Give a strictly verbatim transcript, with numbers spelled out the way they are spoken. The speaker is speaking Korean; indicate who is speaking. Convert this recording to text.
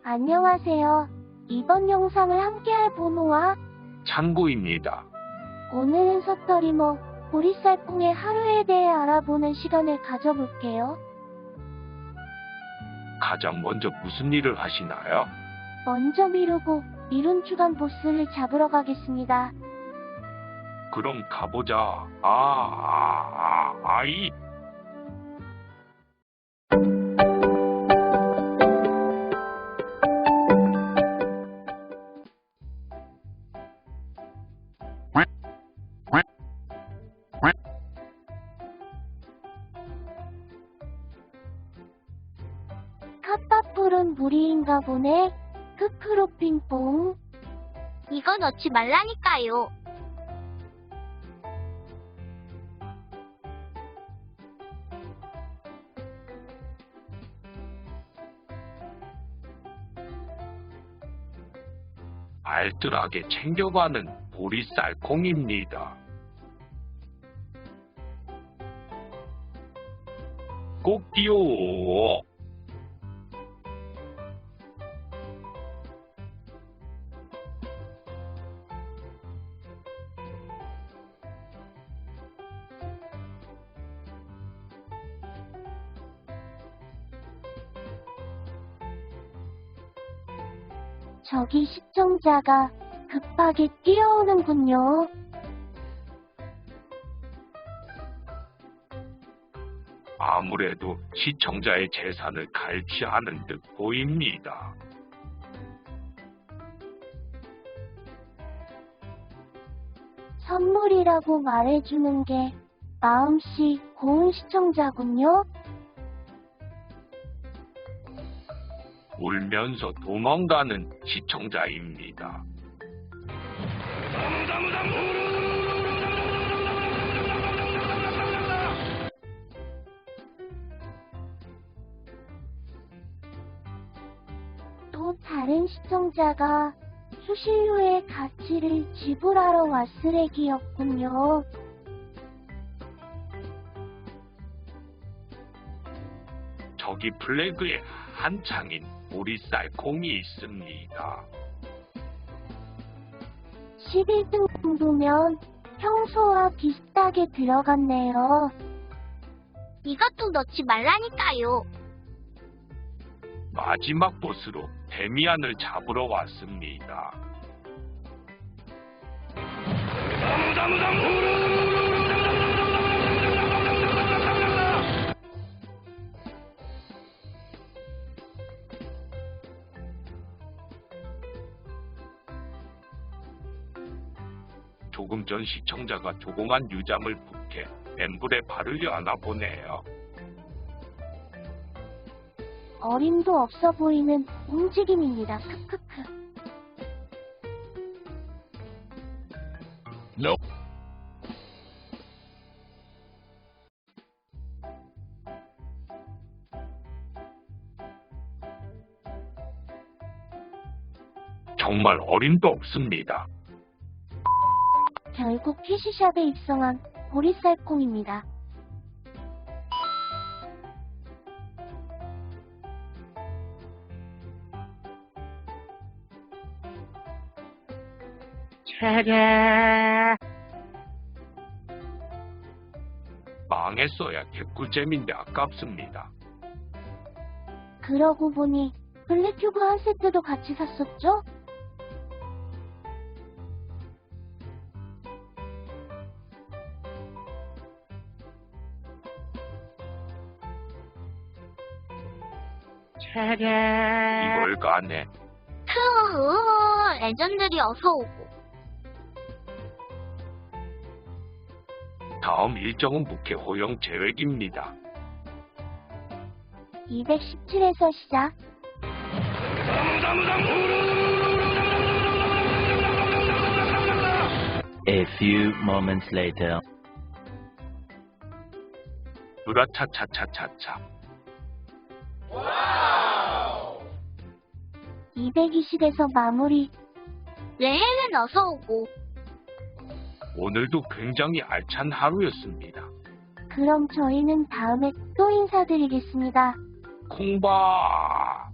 Speaker 1: 안녕하세요. 이번 영상을 함께할 보노와
Speaker 2: 창구입니다.
Speaker 1: 오늘은 서터리머 보리쌀콩의 하루에 대해 알아보는 시간을 가져볼게요.
Speaker 2: 가장 먼저 무슨 일을 하시나요?
Speaker 1: 먼저 미루고 미룬 주간 보스를 잡으러 가겠습니다.
Speaker 2: 그럼 가보자. 아, 아, 아, 아이.
Speaker 1: 카파풀은 무리인가 보네. 크크로 핑퐁.
Speaker 3: 이거 넣지 말라니까요.
Speaker 2: 알뜰하게 챙겨가는 보리쌀콩입니다. 꼭지요.
Speaker 1: 저기 시청자가 급하게 뛰어오는군요.
Speaker 2: 아무래도 시청자의 재산을 갈취하는 듯 보입니다.
Speaker 1: 선물이라고 말해주는 게 마음씨 고운 시청자군요.
Speaker 2: 울면서 도망가는 시청자입니다.
Speaker 1: 또 다른 시청자가 수신료의 가치를 지불하러 왔으레기였군요.
Speaker 2: 저기 플래그에 한 창인 보리쌀콩이 있습니다.
Speaker 1: 십일 등 정도면 평소와 비슷하게 들어갔네요.
Speaker 3: 이것도 넣지 말라니까요.
Speaker 2: 마지막 보스로 데미안을 잡으러 왔습니다. 조금 전 시청자가 조공한 유잠을 북해 엠블에 바르려 하나 보네요.
Speaker 1: 어림도 없어 보이는 움직임입니다. 크크크.
Speaker 2: No. 정말 어림도 없습니다.
Speaker 1: 결국 캐시샵에 입성한 보리쌀콩입니다.
Speaker 2: 망했어야 개꿀잼인데 아깝습니다.
Speaker 1: 그러고 보니 블랙큐브 한 세트도 같이 샀었죠?
Speaker 2: 이걸 가네.
Speaker 3: 크으, 레전드리 어서 오고.
Speaker 2: 다음 일정은 북해 호영 계획입니다.
Speaker 1: 이백십칠에서 시작.
Speaker 4: A few moments later.
Speaker 2: 으라차차차차차.
Speaker 1: 이백이십에서 마무리.
Speaker 3: 레헬은 어서 오고.
Speaker 2: 오늘도 굉장히 알찬 하루였습니다.
Speaker 1: 그럼 저희는 다음에 또 인사드리겠습니다.
Speaker 2: 콩바.